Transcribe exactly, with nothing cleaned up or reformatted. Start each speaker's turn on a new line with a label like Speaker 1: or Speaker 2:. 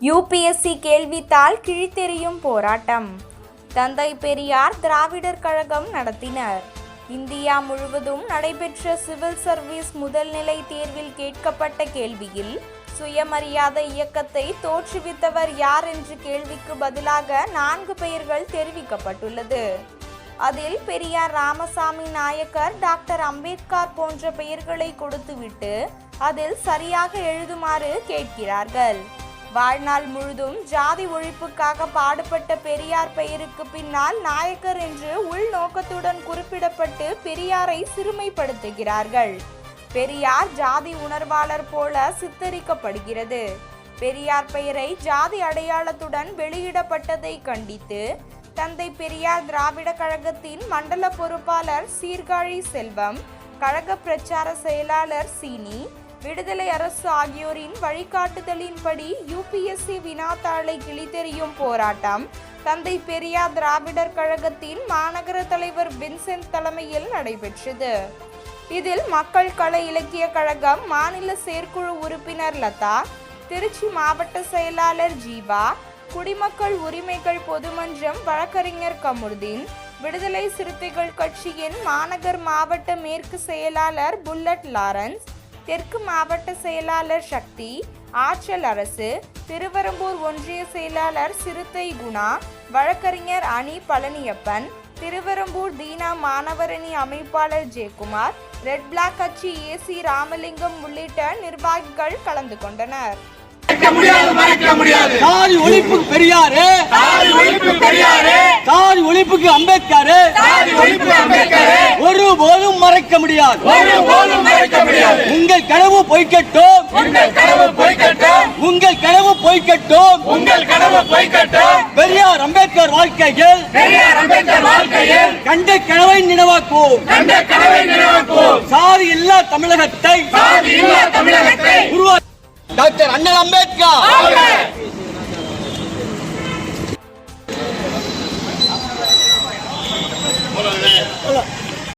Speaker 1: UPSC கேள்வித்தாள் கிழித்தெறியும் போராட்டம் தந்தை பெரியார் திராவிடர் கழகம் நடத்தினர். இந்தியா முழுவதும் நடைபெற்ற சிவில் சர்வீஸ் முதல்நிலை தேர்வில் கேட்கப்பட்ட கேள்வியில் சுயமரியாதை இயக்கத்தை தோற்றுவித்தவர் யார் என்ற கேள்விக்கு பதிலாக நான்கு பெயர்கள் தெரிவிக்கப்பட்டுள்ளது. அதில் பெரியார் ராமசாமி நாயக்கர், டாக்டர் அம்பேத்கர் போன்ற பெயர்களை கொடுத்துவிட்டு அதில் சரியாக எழுதுமாறு கேட்கிறார்கள். வாழ்நாள் முழுதும் ஜாதி ஒழிப்புக்காக பாடுபட்ட பெரியார் பெயருக்கு பின்னால் நாயக்கர் என்று உள்நோக்கத்துடன் குறிப்பிடப்பட்டு பெரியாரை சிறுமைப்படுத்துகிறார்கள். பெரியார் ஜாதி உணர்வாளர் போல சித்தரிக்கப்படுகிறது. பெரியார் பெயரை ஜாதி அடையாளத்துடன் வெளியிடப்பட்டதை கண்டித்து தந்தை பெரியார் திராவிட கழகத்தின் மண்டல பொறுப்பாளர் சீர்காழி செல்வம், கழக பிரச்சார செயலாளர் சீனி, விடுதலை அரசு ஆகியோரின் வழிகாட்டுதலின்படி யூபிஎஸ்சி வினாத்தாளை கிழித்தெறியும் போராட்டம் தந்தை பெரியார் திராவிடர் கழகத்தின் மாநகர தலைவர் வின்சென்ட் தலைமையில் நடைபெற்றது. இதில் மக்கள் கலை இலக்கிய கழகம் மாநில செயற்குழு உறுப்பினர் லதா, திருச்சி மாவட்ட செயலாளர் ஜீவா, குடிமக்கள் உரிமைகள் பொதுமன்றம் வழக்கறிஞர் கமுர்தீன், விடுதலை சிறுத்தைகள் கட்சியின் மாநகர் மாவட்ட மேற்கு செயலாளர் புல்லட் லாரன்ஸ், தெற்கு மாவட்ட செயலாளர் சக்தி, ஆற்றல் அரசு, திருவெரும்பூர் ஒன்றிய செயலாளர் சிறுத்தை குணா, வழக்கறிஞர் அணி பழனியப்பன், திருவெரும்பூர் தீனா மாணவரணி அமைப்பாளர் ஜெயக்குமார், ரெட் பிளாக் கட்சி ஏசி ராமலிங்கம் உள்ளிட்ட நிர்வாகிகள் கலந்து கொண்டனர்.
Speaker 2: சாதி ஒழிப்புக்கு பெரியாரு, சாதி ஒழிப்புக்கு அம்பேத்கர், ஒருபோதும் மறைக்க முடியாது. உங்கள் கனவு பொய்க்கட்டும், உங்கள் கனவு பொய்க்கட்டும். பெரியார் அம்பேத்கர் வாழ்க்கையில் கண்ட கனவை நினைவாக்குவோம். சாதி இல்லா தமிழகத்தை உருவாக்க டாக்டர் அண்ணல் அம்பேத்கர்